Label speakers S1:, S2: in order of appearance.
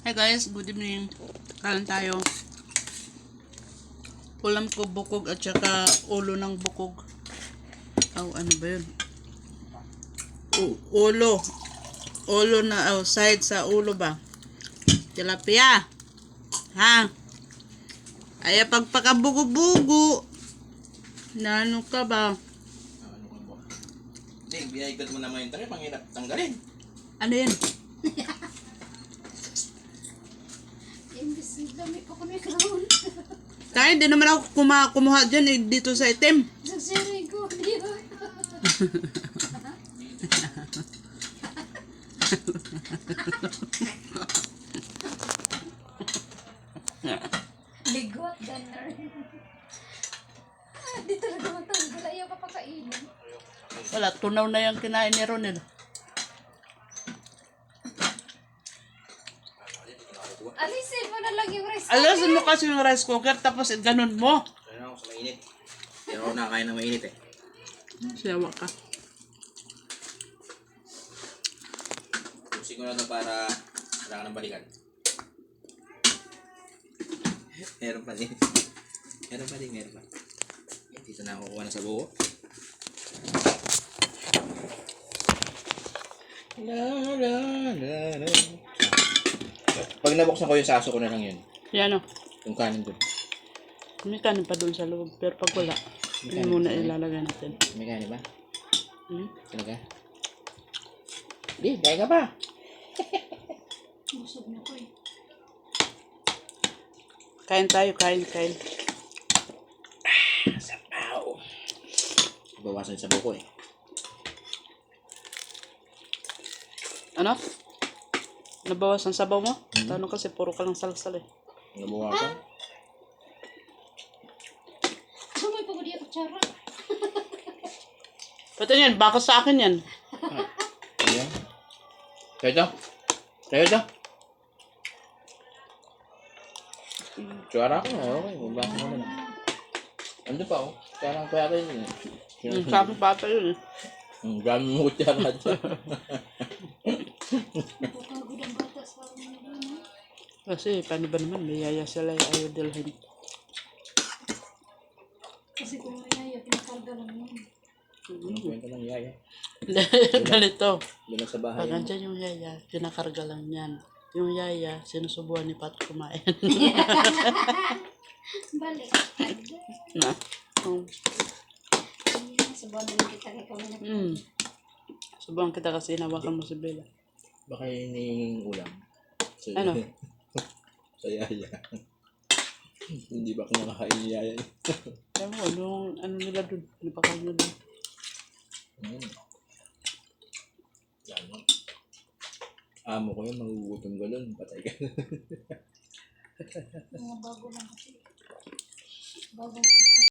S1: Hi guys, good evening. Kain tayo. Ulam ko bukog at saka ulo ng bukog. Oh, ano ba yun? Ulo. Ulo na outside sa ulo ba? Tilapia. Ha? Ay pagpakabugo-bugo. Na ano ka ba?
S2: Ano ka ba? Hindi, binaigad mo naman yung tari, panghirap tanggalin.
S1: Ano yun?
S3: Imbis dami pa ko na ikaroon.
S1: Kaya hindi naman ako kumuha dyan eh, dito sa item.
S3: Sagsiri ko. Di ba? Ligot, ganar. Di talaga matanggal. Ayaw ka pakainin.
S1: Wala, tunaw na yung kinain ni Ronel.
S3: Alisin mo na lang yung rice.
S1: Alasin mo kasi yung rice cooker tapos ganun mo.
S2: Kaya ako sa mainit. Hindi ako nakakain ng mainit eh.
S1: Siyawa ka.
S2: Tusin ko na ito para wala ka ng balikan. Meron pa din. Meron pa. Dito na ako kuha na sa buo. Pag nabuksan ko yung saso ko na lang yun.
S1: Yan o.
S2: Yung kanin doon.
S1: May kanin pa doon sa loob. Pero pag wala, hindi muna ilalagay natin.
S2: May kanin ba?
S1: Hmm?
S2: Talaga? Hindi, kain ka pa.
S3: Busog na ko eh.
S1: Kain tayo, kain.
S2: Sabaw. Bawasan sa buko eh.
S1: Ano? Nabawas ang sabaw mo? Tanong kasi puro ka lang salsal eh.
S2: Nabawasan?
S3: Sumay pa ko di kutsara.
S1: Pati yan, bakit sa akin yan?
S2: Ayan. Kaya ito. Tsara ko na, okay. Magbasa mo na. Ando pa oh. Tsara ko yata yun eh.
S1: Sa akin pa ata yun eh.
S2: Dami mo tsara dyan.
S3: Napapagod ang bata sa mga doon.
S1: Kasi paano ba naman, may yaya sila yung ayaw dalhin.
S3: Kasi kung may ayaw, pinakarga lang yun.
S2: Kwento lang yaya.
S1: Ganito.
S2: Doon lang sa bahay.
S1: Pag andyan yung yaya, kinakarga lang yan. Yung yaya, sinusubuan ni Pat kumain.
S3: Balik.
S1: Na?
S3: Subuan na lang kita kay kami na.
S1: Subuhan kita kasi hinawakan mo si Bella.
S2: Baka yun yung ulam. So,
S1: Ano?
S2: sa yaya. Hindi ba kumakain ni yaya?
S1: Kaya mo, yung ano nila dun, napakain nila dun.
S2: Yan mo. Amo ko yun, magugutom ka doon. Patay ka.
S3: Mga bago lang kasi. Bago